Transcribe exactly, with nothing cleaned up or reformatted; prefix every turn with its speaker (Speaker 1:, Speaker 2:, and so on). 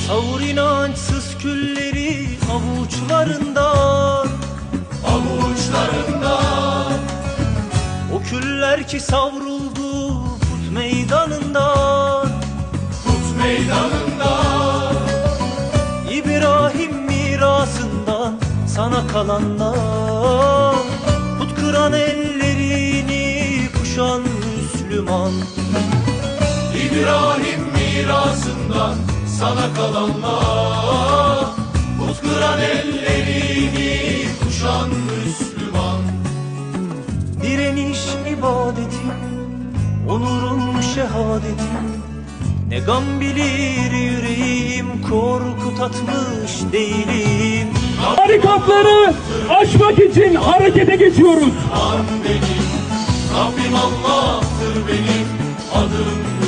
Speaker 1: Savur inançsız külleri avuçlarından,
Speaker 2: avuçlarından.
Speaker 1: o küller ki savruldu put meydanından,
Speaker 2: Put meydanından.
Speaker 1: İbrahim mirasından sana kalanlar, put kıran ellerini kuşan Müslüman.
Speaker 2: İbrahim mirasından sana kalanlar, put kıran ellerini kuşan Müslüman.
Speaker 1: Direniş ibadetim, onurum şehadetim. Ne gam bilir yüreğim, korku tatmış değilim.
Speaker 3: Barikatları aşmak için harekete geçiyoruz.
Speaker 2: An benim, Rabbim Allah'tır benim, adım